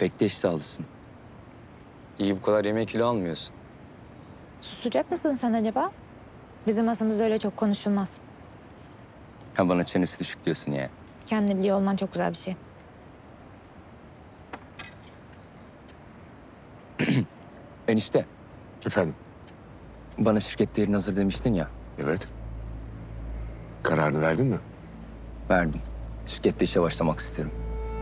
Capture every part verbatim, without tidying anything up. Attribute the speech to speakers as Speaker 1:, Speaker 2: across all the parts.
Speaker 1: Pek de iştahlısın. İyi bu kadar yemek kilo almıyorsun.
Speaker 2: Susacak mısın sen acaba? Bizim masamızda öyle çok konuşulmaz.
Speaker 1: Ha bana çenesi düşük diyorsun ya.
Speaker 2: Kendini biliyor olman çok güzel bir şey.
Speaker 1: Enişte,
Speaker 3: Efendim?
Speaker 1: bana şirkette yerin hazır demiştin ya.
Speaker 3: Evet. Kararını verdin mi?
Speaker 1: Verdim. Şirkette işe başlamak isterim.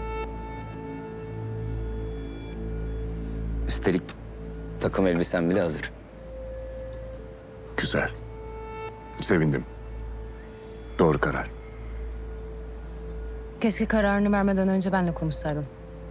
Speaker 1: Üstelik takım elbisem bile hazır.
Speaker 3: Güzel. Sevindim. Doğru karar.
Speaker 4: Keşke kararını vermeden önce benle konuşsaydın.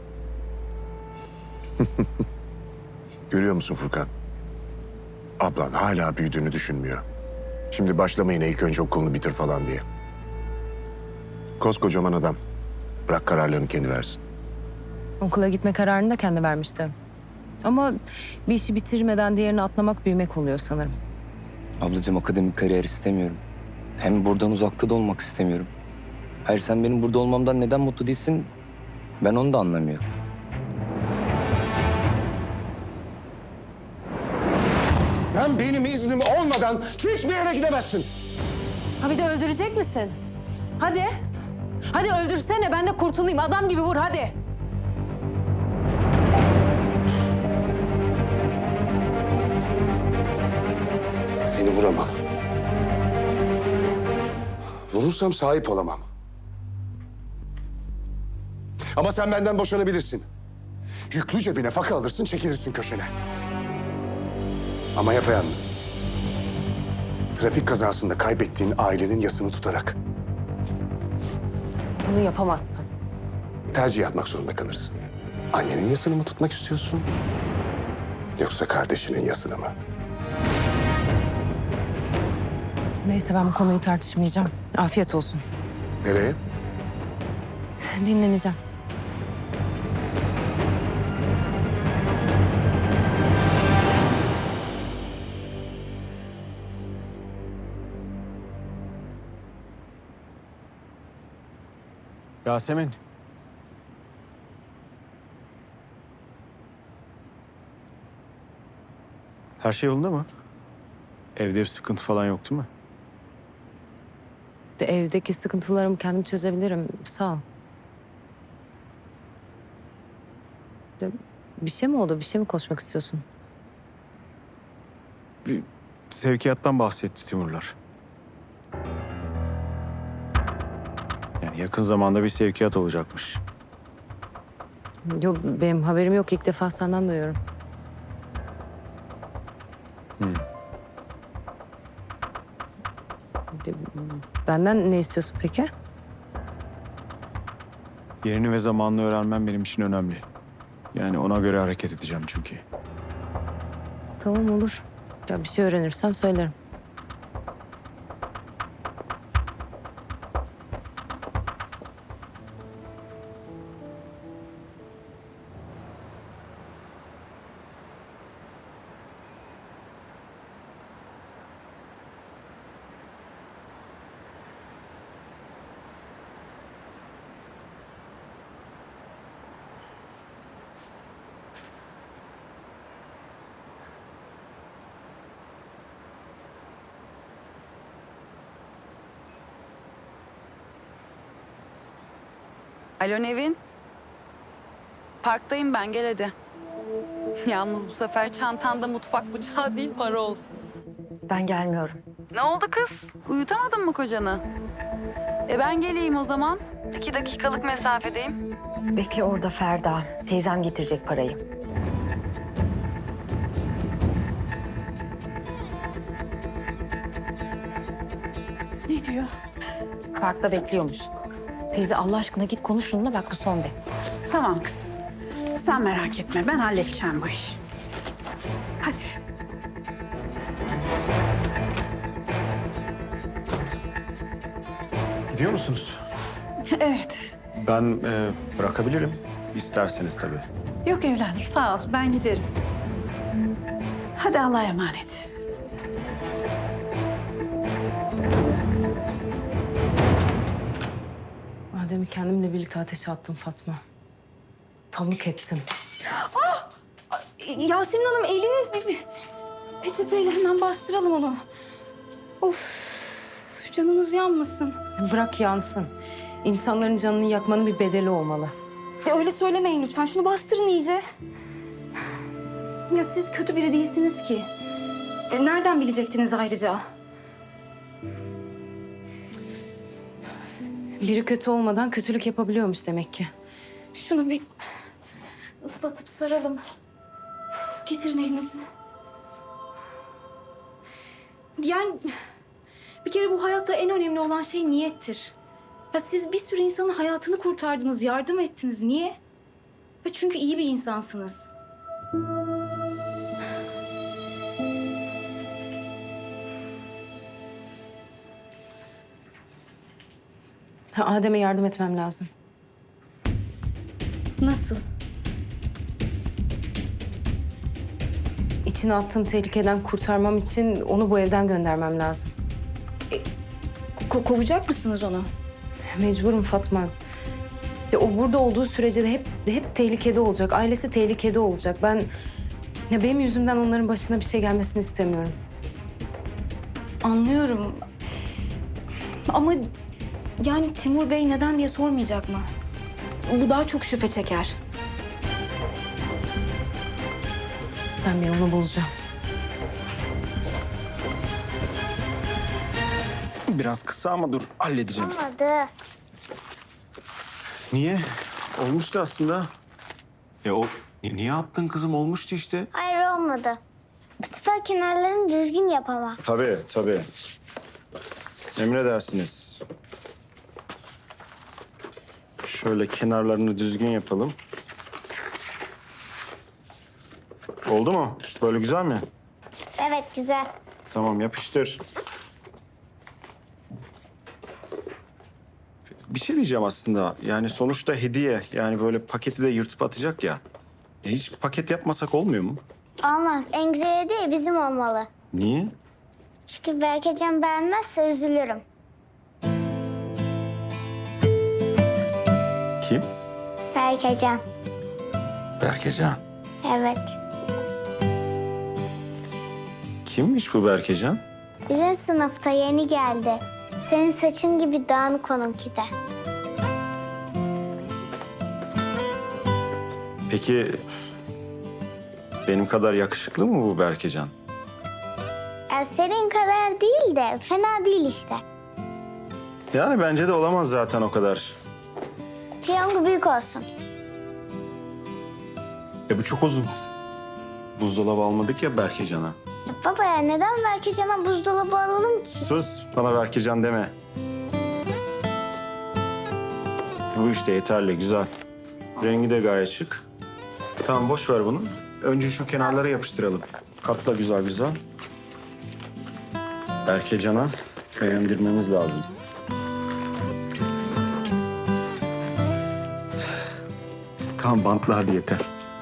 Speaker 3: Görüyor musun Furkan? Ablan hala büyüdüğünü düşünmüyor. Şimdi başlamayın ilk önce okulunu bitir falan diye. Koskocaman adam. Bırak kararlarını kendi versin.
Speaker 4: Okula gitme kararını da kendi vermişti. Ama bir işi bitirmeden diğerini atlamak büyümek oluyor sanırım.
Speaker 1: Ablacığım akademik kariyer istemiyorum. Hem buradan uzakta da olmak istemiyorum. Hayır sen benim burada olmamdan neden mutlu değilsin? Ben onu da anlamıyorum.
Speaker 3: Sen benim iznim olmadan hiçbir yere gidemezsin.
Speaker 4: Ha bir de öldürecek misin? Hadi. Hadi öldürsene ben de kurtulayım. Adam gibi vur hadi.
Speaker 3: Seni vuramam. Vurursam sahip olamam. Ama sen benden boşanabilirsin. Yüklüce bir nafaka alırsın, çekilirsin köşene. Ama yapayalnız. Trafik kazasında kaybettiğin ailenin yasını tutarak
Speaker 4: Bunu yapamazsın.
Speaker 3: tercih yapmak zorunda kalırsın. Annenin yasını mı tutmak istiyorsun? Yoksa kardeşinin yasını mı?
Speaker 4: Neyse ben bu konuyu tartışmayacağım. Afiyet olsun.
Speaker 3: Nereye?
Speaker 4: Dinleneceğim.
Speaker 5: Yasemin. Her şey yolunda mı? Evde bir sıkıntı falan yok değil mi?
Speaker 4: De evdeki sıkıntılarımı kendim çözebilirim. Sağ ol. De, bir şey mi oldu? Bir şey mi konuşmak istiyorsun?
Speaker 5: Bir sevkiyattan bahsetti Timurlar. Yani yakın zamanda bir sevkiyat olacakmış.
Speaker 4: Yok benim haberim yok. İlk defa senden duyuyorum.
Speaker 5: Hmm.
Speaker 4: De, benden ne istiyorsun peki?
Speaker 5: Yerini ve zamanını öğrenmem benim için önemli. Yani ona göre hareket edeceğim çünkü.
Speaker 4: Tamam olur. Ya bir şey öğrenirsem söylerim.
Speaker 6: Alo Nevin. Parktayım ben, gel hadi. Yalnız bu sefer çantanda mutfak bıçağı değil, para olsun.
Speaker 4: Ben gelmiyorum.
Speaker 6: Ne oldu kız? Uyutamadın mı kocanı? E ben geleyim o zaman. İki dakikalık mesafedeyim.
Speaker 7: Bekle orada Ferda. Teyzem getirecek parayı.
Speaker 6: Ne diyor?
Speaker 7: Parkta bekliyormuş. Teyze Allah aşkına git konuş şununla bak bu son de.
Speaker 8: Tamam kızım. Sen merak etme. Ben halledeceğim bu işi. Hadi.
Speaker 5: Gidiyor musunuz?
Speaker 8: Evet.
Speaker 5: Ben e, bırakabilirim. İsterseniz tabii.
Speaker 8: Yok evladım sağ ol. Ben giderim. Hadi Allah'a emanet.
Speaker 4: Adem'i kendimle birlikte ateşe attım Fatma. aptallık ettim.
Speaker 7: Yasemin Hanım eliniz bir, bir peçeteyle hemen bastıralım onu. Of, canınız yanmasın.
Speaker 4: Bırak yansın. İnsanların canını yakmanın bir bedeli olmalı.
Speaker 7: Ya öyle söylemeyin lütfen. Şunu bastırın iyice. Ya siz kötü biri değilsiniz ki. E, nereden bilecektiniz ayrıca?
Speaker 4: Biri kötü olmadan kötülük yapabiliyormuş demek ki.
Speaker 7: Şunu bir ıslatıp saralım. Getirin elinizi. Yani bir kere bu hayatta en önemli olan şey niyettir. Ya siz bir sürü insanın hayatını kurtardınız, yardım ettiniz. Niye? Ya çünkü iyi bir insansınız.
Speaker 4: Ha, Adem'e yardım etmem lazım.
Speaker 7: Nasıl?
Speaker 4: İçine attığım tehlikeden kurtarmam için onu bu evden göndermem lazım.
Speaker 7: Ko- kovacak mısınız onu?
Speaker 4: Mecburum Fatma. Ya o burada olduğu sürece de hep hep tehlikede olacak. Ailesi tehlikede olacak. Ben ya benim yüzümden onların başına bir şey gelmesini istemiyorum.
Speaker 7: Anlıyorum. Ama yani Timur Bey neden diye sormayacak mı? Bu daha çok şüphe çeker.
Speaker 4: Ben bir yolunu bulacağım.
Speaker 5: Biraz kısa ama dur halledeceğim.
Speaker 9: Olmadı.
Speaker 5: Niye? Olmuştu aslında. Ya o ni- niye attın kızım? Olmuştu işte.
Speaker 9: Hayır olmadı. Bu sefer kenarlarını düzgün yap ama.
Speaker 5: Tabii tabii. Emredersiniz. Şöyle kenarlarını düzgün yapalım. Oldu mu? Böyle güzel mi?
Speaker 9: Evet güzel.
Speaker 5: Tamam yapıştır. Bir şey diyeceğim aslında. Yani sonuçta hediye. Yani böyle paketi de yırtıp atacak ya. E hiç paket yapmasak olmuyor mu?
Speaker 9: Olmaz. En güzel hediye bizim olmalı.
Speaker 5: Niye?
Speaker 9: Çünkü Berkecan beğenmezse üzülürüm.
Speaker 5: Kim?
Speaker 9: Berkecan.
Speaker 5: Berkecan.
Speaker 9: Evet.
Speaker 5: Kimmiş bu Berkecan?
Speaker 9: Bizim sınıfta yeni geldi. Senin saçın gibi dağınık onunki de.
Speaker 5: Peki benim kadar yakışıklı mı bu Berkecan?
Speaker 9: Ya senin kadar değil de fena değil işte.
Speaker 5: Yani bence de olamaz zaten o kadar.
Speaker 9: Piyango büyük olsun.
Speaker 5: E bu çok uzun. Buzdolabı almadık ya Berkecan'a.
Speaker 9: Ya baba ya neden Berkecan'a buzdolabı alalım ki?
Speaker 5: Sus, bana Berkecan deme. Bu işte yeterli, güzel. Rengi de gayet şık. Tamam, boş ver bunu. Önce şu kenarlara yapıştıralım. Katla güzel güzel. Berkecan'a beğendirmemiz lazım. Tamam, bantla hadi yeter.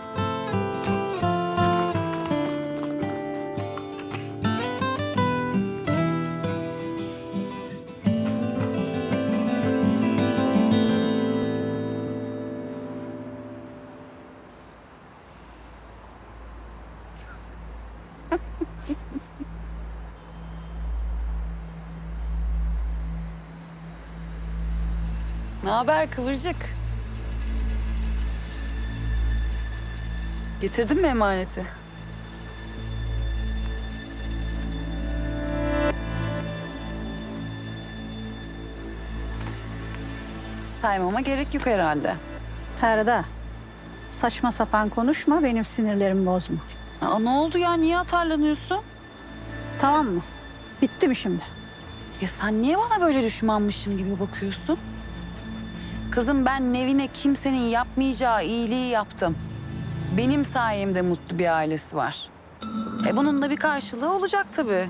Speaker 6: Ne haber Kıvırcık? Getirdin mi emaneti? Saymama gerek yok herhalde.
Speaker 10: Ferda, saçma sapan konuşma, benim sinirlerimi bozma.
Speaker 6: Aa, ne oldu ya? Niye atarlanıyorsun?
Speaker 10: Tamam mı? Bitti mi şimdi?
Speaker 6: Ya sen niye bana böyle düşmanmışım gibi bakıyorsun? Kızım ben Nevin'e kimsenin yapmayacağı iyiliği yaptım. Benim sayemde mutlu bir ailesi var. E bunun da bir karşılığı olacak tabii.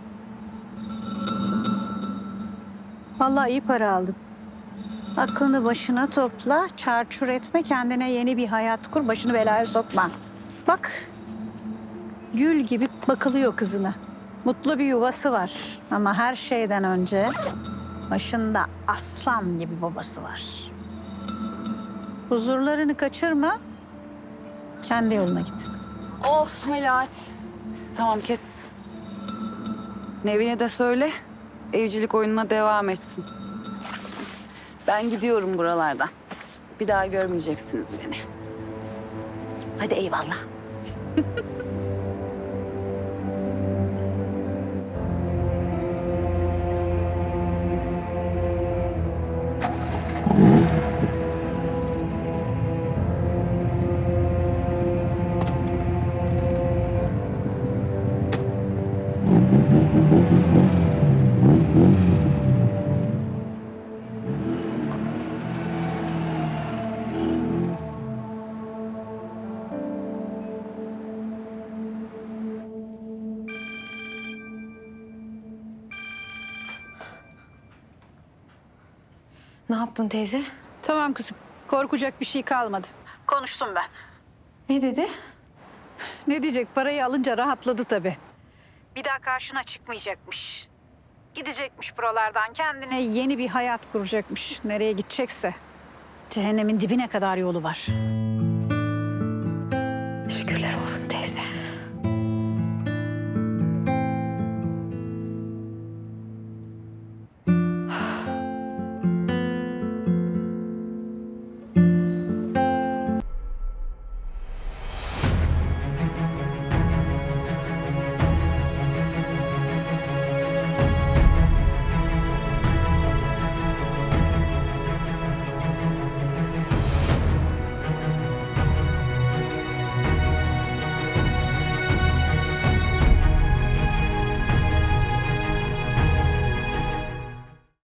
Speaker 10: Vallahi iyi para aldın. Aklını başına topla, çarçur etme, kendine yeni bir hayat kur, başını belaya sokma. Bak, gül gibi bakılıyor kızına. Mutlu bir yuvası var ama her şeyden önce başında aslan gibi babası var. Huzurlarını kaçırma, Kendi yoluna git.
Speaker 6: Of Melahat. Tamam kes. Nevin'e de söyle, evcilik oyununa devam etsin. Ben gidiyorum buralardan. Bir daha görmeyeceksiniz beni. Hadi eyvallah.
Speaker 4: Ne yaptın teyze?
Speaker 10: Tamam kızım. Korkacak bir şey kalmadı. Konuştum ben.
Speaker 4: Ne dedi?
Speaker 10: Ne diyecek? Parayı alınca rahatladı tabii. Bir daha karşına çıkmayacakmış. Gidecekmiş buralardan. Kendine yeni bir hayat kuracakmış. Nereye gidecekse. Cehennemin dibine kadar yolu var.